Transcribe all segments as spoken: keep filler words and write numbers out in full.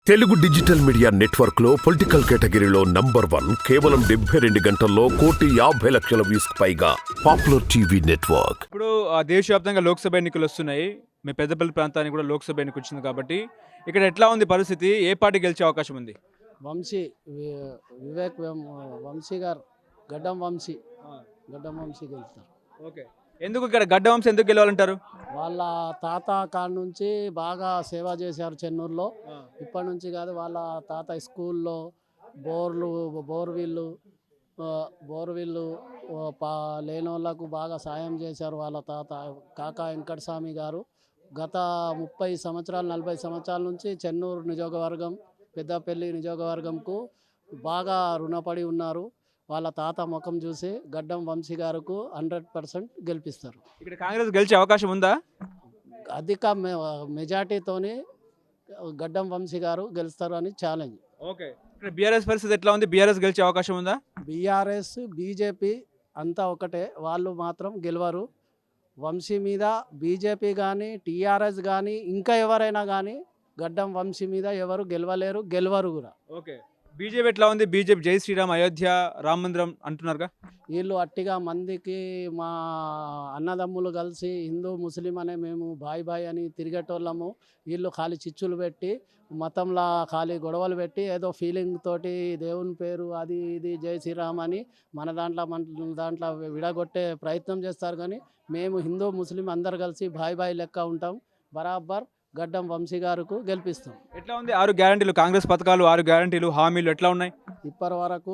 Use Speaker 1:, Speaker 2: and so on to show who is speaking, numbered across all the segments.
Speaker 1: Telugu digital media network లో political కేటగిరీలో number one కేవలం డెబ్బై రెండు గంటల్లో కోటి యాభై లక్షల వ్యూస్ పైగా పాపులర్ టీవీ నెట్వర్క్.
Speaker 2: ఇప్పుడు ఆ, దేశవ్యాప్తంగా లోక్సభ ఎన్నికలు వస్తున్నాయి. మీ పెద్దపల్లి ప్రాంతానికి కూడా లోక్సభ ఎన్నిక వచ్చింది కాబట్టి ఇక్కడ ఎట్లా ఉంది పరిస్థితి? ఏ పార్టీ గెలిచే అవకాశం ఉంది?
Speaker 3: వంశీ వి- వివేక్ వెం- వంశీ గారు గడ్డం వంశీ గడ్డం వంశీ గెలుస్తారు.
Speaker 2: ఓకే, ఎందుకు ఇక్కడ గడ్డ వంశం ఎందుకు గెలవాలంటారు?
Speaker 3: వాళ్ళ తాత కాడ నుంచి బాగా సేవ చేశారు చెన్నూరులో. ఇప్పటి నుంచి కాదు, వాళ్ళ తాత స్కూల్లో బోర్లు బోర్వీళ్ళు ఆ, బోర్వీళ్ళు ఆ, పా లేని వాళ్ళకు బాగా సాయం చేశారు వాళ్ళ తాత కాకా వెంకటస్వామి గారు. గత ముప్పై సంవత్సరాలు నలభై సంవత్సరాల నుంచి చెన్నూరు నియోజకవర్గం పెద్దపల్లి నియోజకవర్గంకు బాగా రుణపడి ఉన్నారు. వాళ్ళ తాత ముఖం చూసి గడ్డం వంశీ గారికి హండ్రెడ్ పర్సెంట్ గెలిపిస్తారు.
Speaker 2: ఇక్కడ కాంగ్రెస్ గెలిచే అవకాశం ఉందా?
Speaker 3: అధిక మె మెజార్టీతోని గడ్డం వంశీ గారు గెలుస్తారు అని ఛాలెంజ్.
Speaker 2: ఓకే, ఇక్కడ బీఆర్ఎస్ పరిస్థితి ఎట్లా ఉంది? బీఆర్ఎస్ గెలిచే అవకాశం ఉందా?
Speaker 3: బీఆర్ఎస్ బీజేపీ అంతా ఒకటే, వాళ్ళు మాత్రం గెలవరు. వంశీ మీద బీజేపీ కానీ టీఆర్ఎస్ కానీ ఇంకా ఎవరైనా కానీ గడ్డం వంశీ మీద ఎవరు గెలవలేరు, గెలవరు కూడా.
Speaker 2: ఓకే, బీజేపీ ఎట్లా ఉంది? బీజేపీ జై శ్రీరామ్, అయోధ్య, రామ మందిరం అంటున్నారుగా.
Speaker 3: వీళ్ళు అట్టిగా మందికి మా అన్నదమ్ములు కలిసి హిందూ ముస్లిం అనే మేము బాయ్ బాయ్ అని తిరిగేటోళ్ళము. వీళ్ళు ఖాళీ చిచ్చులు పెట్టి మతంలా ఖాళీ గొడవలు పెట్టి ఏదో ఫీలింగ్ తోటి దేవుని పేరు అది ఇది జై శ్రీరామ్ అని మన దాంట్లో మన దాంట్లో విడగొట్టే ప్రయత్నం చేస్తారు. కానీ మేము హిందూ ముస్లిం అందరు కలిసి బాయ్ బాయ్ లెక్క ఉంటాం. బరాబర్ గడ్డం వంశీ గారికి గెలిపిస్తాం.
Speaker 2: ఎట్లా ఉంది ఆరు గ్యారంటీలు, కాంగ్రెస్ పథకాలు, ఆరు గ్యారంటీలు హామీలు ఎట్లా ఉన్నాయి?
Speaker 3: ఇప్పటి వరకు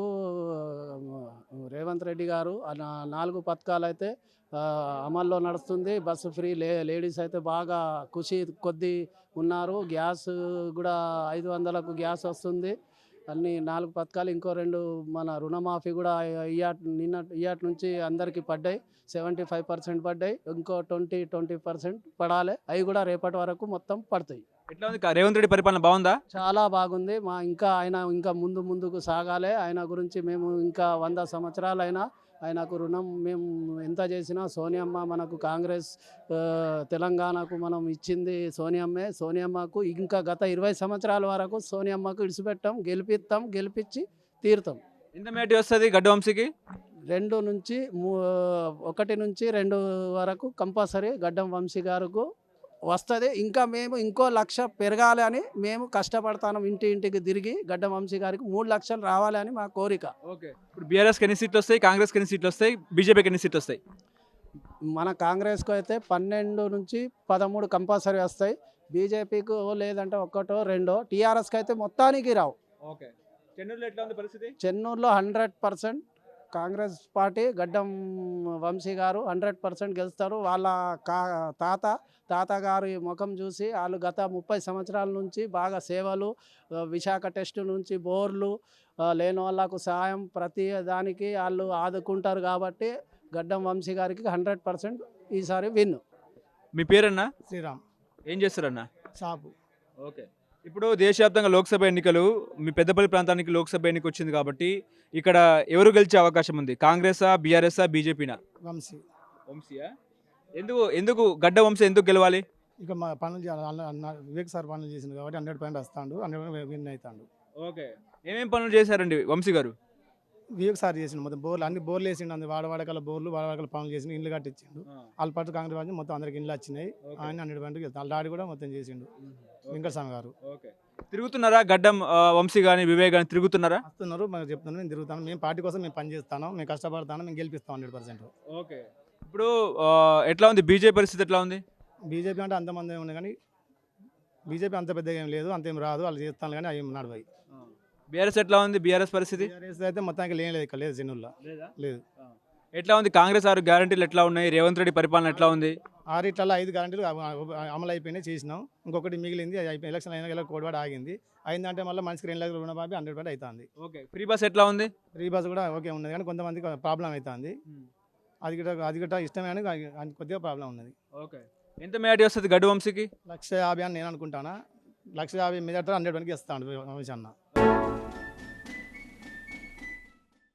Speaker 3: రేవంత్ రెడ్డి గారు ఆ నా- నాలుగు పథకాలు అయితే ఆ, అమల్లో నడుస్తుంది. బస్సు ఫ్రీ, లే లేడీస్ అయితే బాగా ఖుషి కొద్ది ఉన్నారు. గ్యాస్ కూడా ఐదు వందలకు గ్యాస్ వస్తుంది. అన్ని నాలుగు పథకాలు, ఇంకో రెండు మన రుణమాఫీ కూడా ఇయాట్ నిన్న ఇయాట్ నుంచి అందరికీ పడ్డాయి. సెవెంటీ ఫైవ్ పర్సెంట్ పడ్డాయి, ఇంకో ట్వంటీ ట్వంటీ పర్సెంట్ పడాలి. అవి కూడా రేపటి వరకు మొత్తం పడతాయి.
Speaker 2: ఎట్లా ఉంది రేవంత్ రెడ్డి పరిపాలన? బాగుందా?
Speaker 3: చాలా బాగుంది. మా ఇంకా ఆయన ఇంకా ముందు ముందుకు సాగాలి. ఆయన గురించి మేము ఇంకా వంద సంవత్సరాలైనా ఆయనకు రుణం మేము ఎంత చేసినా, సోనియమ్మ మనకు కాంగ్రెస్ ఆ, తెలంగాణకు మనం ఇచ్చింది సోనియమ్మే. సోనియమ్మకు ఇంకా గత ఇరవై సంవత్సరాల వరకు సోనియమ్మకు ఇడిచిపెట్టాం, గెలిపిస్తాం, గెలిపించి తీరుతాం.
Speaker 2: ఎంత మేటి వస్తుంది గడ్డ వంశీకి?
Speaker 3: రెండు నుంచి మూ- ఒకటి నుంచి రెండు వరకు కంపల్సరీ గడ్డం వంశీ గారికి వస్తుంది. ఇంకా మేము ఇంకో లక్ష పెరగాలి అని మేము కష్టపడతాం. ఇంటి ఇంటికి తిరిగి గడ్డం వంశీ గారికి మూడు లక్షలు రావాలి అని మా కోరిక.
Speaker 2: ఓకే, ఇప్పుడు బీఆర్ఎస్కి ఎన్ని సీట్లు వస్తాయి? కాంగ్రెస్కి ఎన్ని సీట్లు వస్తాయి? బీజేపీకి ఎన్ని సీట్లు వస్తాయి?
Speaker 3: మన కాంగ్రెస్కు అయితే పన్నెండు నుంచి పదమూడు కంపల్సరీ వస్తాయి. బీజేపీకి లేదంటే ఒకటో రెండో. టీఆర్ఎస్కి అయితే మొత్తానికి రావు.
Speaker 2: ఓకే, చెన్నూరులో ఎట్లా ఉంది పరిస్థితి?
Speaker 3: చెన్నూరులో hundred percent Congress party Gaddam Vamsi గారు హండ్రెడ్ పర్సెంట్ గెలుస్తారు. వాళ్ళ కా తాత తాతగారి ముఖం చూసి వాళ్ళు గత ముప్పై సంవత్సరాల నుంచి బాగా సేవలు, ఆ, విశాఖ టెస్ట్ నుంచి బోర్లు, ఆ, లేని వాళ్ళకు సహాయం ప్రతి దానికి వాళ్ళు ఆదుకుంటారు. కాబట్టి గడ్డం వంశీ గారికి హండ్రెడ్ పర్సెంట్ ఈసారి విన్.
Speaker 2: మీ పేరన్నా?
Speaker 3: శ్రీరామ్
Speaker 2: ఏం చేస్తారన్నా?
Speaker 3: సాపు.
Speaker 2: ఓకే, ఇప్పుడు దేశవ్యాప్తంగా లోక్సభ ఎన్నికలు, మీ పెద్దపల్లి ప్రాంతానికి లోక్సభ ఎన్నిక వచ్చింది కాబట్టి ఇక్కడ ఎవరు గెలిచే అవకాశం ఉంది? కాంగ్రెసా, బీఆర్ఎస్ఆ, బీజేపీనా?
Speaker 3: వంశీ.
Speaker 2: వంశీయా? ఎందుకు ఎందుకు గడ్డ వంశీ ఎందుకు గెలవాలి?
Speaker 3: ఇక మా పనులు చేయాలి. వివేక్ సార్ పనులు చేసింది కాబట్టి హండ్రెడ్ పాయింట్ వస్తాడు, హండ్రెడ్ విన్ అవుతాడు.
Speaker 2: ఓకే, ఏమేం పనులు చేశారండి వంశీ గారు?
Speaker 3: వివేక్ సార్ చేసిండు మొత్తం బోర్లు అన్ని బోర్లు వేసిండు. అందు వాడవాడకల బోర్లు వాడవాడకల పనులు చేసిండు, ఇండ్లు కట్టించిండు. వాళ్ళ పాటు కాంగ్రెస్ పార్టీ మొత్తం అందరికి ఇండ్లు వచ్చినాయి. ఆయన హండ్రెడ్ పాయింట్ వాళ్ళ డాడీ కూడా మొత్తం చేసిండు, వెంకటస్వామి గారు.
Speaker 2: ఓకే, తిరుగుతున్నారా గడ్డం ఆ, వంశీ కానీ వివేక్ కానీ తిరుగుతున్నారా?
Speaker 3: వస్తున్నారు, మాకు చెప్తున్నారు, మేము తిరుగుతాను. మేము పార్టీ కోసం మేము పని చేస్తాను, మేము కష్టపడతాను, మేము గెలిపిస్తాం హండ్రెడ్ పర్సెంట్.
Speaker 2: ఓకే, ఇప్పుడు ఆ, ఎట్లా ఉంది బీజేపీ పరిస్థితి? ఎట్లా ఉంది?
Speaker 3: బీజేపీ అంటే అంతమంది ఉంది కానీ బీజేపీ అంత పెద్దగా ఏం లేదు, అంతేం రాదు. వాళ్ళు చేస్తాను కానీ అవి నడవాయి.
Speaker 2: బీఆర్ఎస్ ఎట్లా ఉంది? బీఆర్ఎస్ పరిస్థితి
Speaker 3: టీఆర్ఎస్ అయితే మొత్తానికి లేని లేదు, ఇక్కడ లేదు చెన్నూరులో లేదు.
Speaker 2: ఎట్లా ఉంది? కాంగ్రెస్ ఆరు గ్యారంటీలు ఎట్లా ఉన్నాయి? రేవంత్ రెడ్డి పరిపాలన ఎట్లా ఉంది?
Speaker 3: ఆరిట్లలో ఐదు గ్యారెంటీలు అమలు అయిపోయినాయి, చేసినాం. ఇంకొకటి మిగిలింది, అది అయిపోయి ఎలక్షన్ అయినా కోడివాడ ఆగింది. అయిందంటే మళ్ళీ మనిషికి రెండు లక్షల రుణమాఫీ హండ్రెడ్ పర్సెంట్ అవుతుంది.
Speaker 2: ఓకే, ఫ్రీ బస్ ఎట్లా ఉంది?
Speaker 3: ఫ్రీ బస్ కూడా ఓకే ఉన్నది కానీ కొంతమందికి ప్రాబ్లం అవుతుంది. అది కూడా అది కూడా ఇష్టమే కానీ అది కొద్దిగా ప్రాబ్లం ఉన్నది.
Speaker 2: ఓకే, ఎంత మేటి వస్తుంది గడ్డ వంశీకి?
Speaker 3: లక్ష యాభై అని నేను అనుకుంటానా. లక్ష యాభై మీద హండ్రెడ్ వరకు ఇస్తాను వంశీ అన్న.